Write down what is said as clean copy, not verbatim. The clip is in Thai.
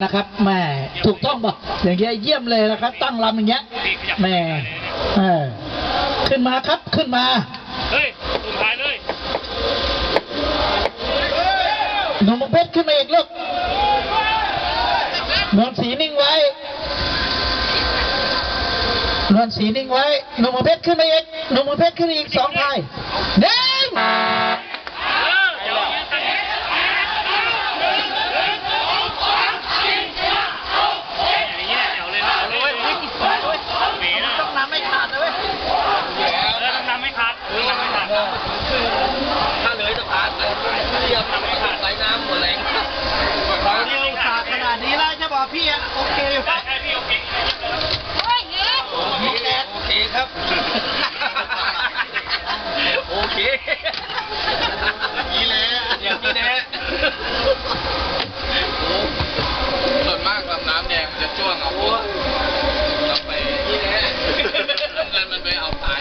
นะครับแม่ถูกต้องบอกอย่างเงี้ยเยี่ยมเลยนะครับตั้งลำอย่างเงี้ยแม่ขึ้นมาครับขึ้นมาเฮ้ยตุ่มถ่ายเลยหนุ่มเพชรขึ้นมาอีกลูกนวลสีนิ่งไว้นวลสีนิ่งไว้หนุ่มเพชรขึ้นมาอีกหนุ่มเพชรขึ้นอีก2ทายเด้งถ้าเลยจะผ่านเรียบทำให้ขาดสายน้ำหมดแรงเราเรียกศาสตร์ขนาดนี้แล้วจะบอกพี่โอเคอยู่ครับพี่โอเคโอเคครับโอเคนี่แหละอย่างนี้แหละ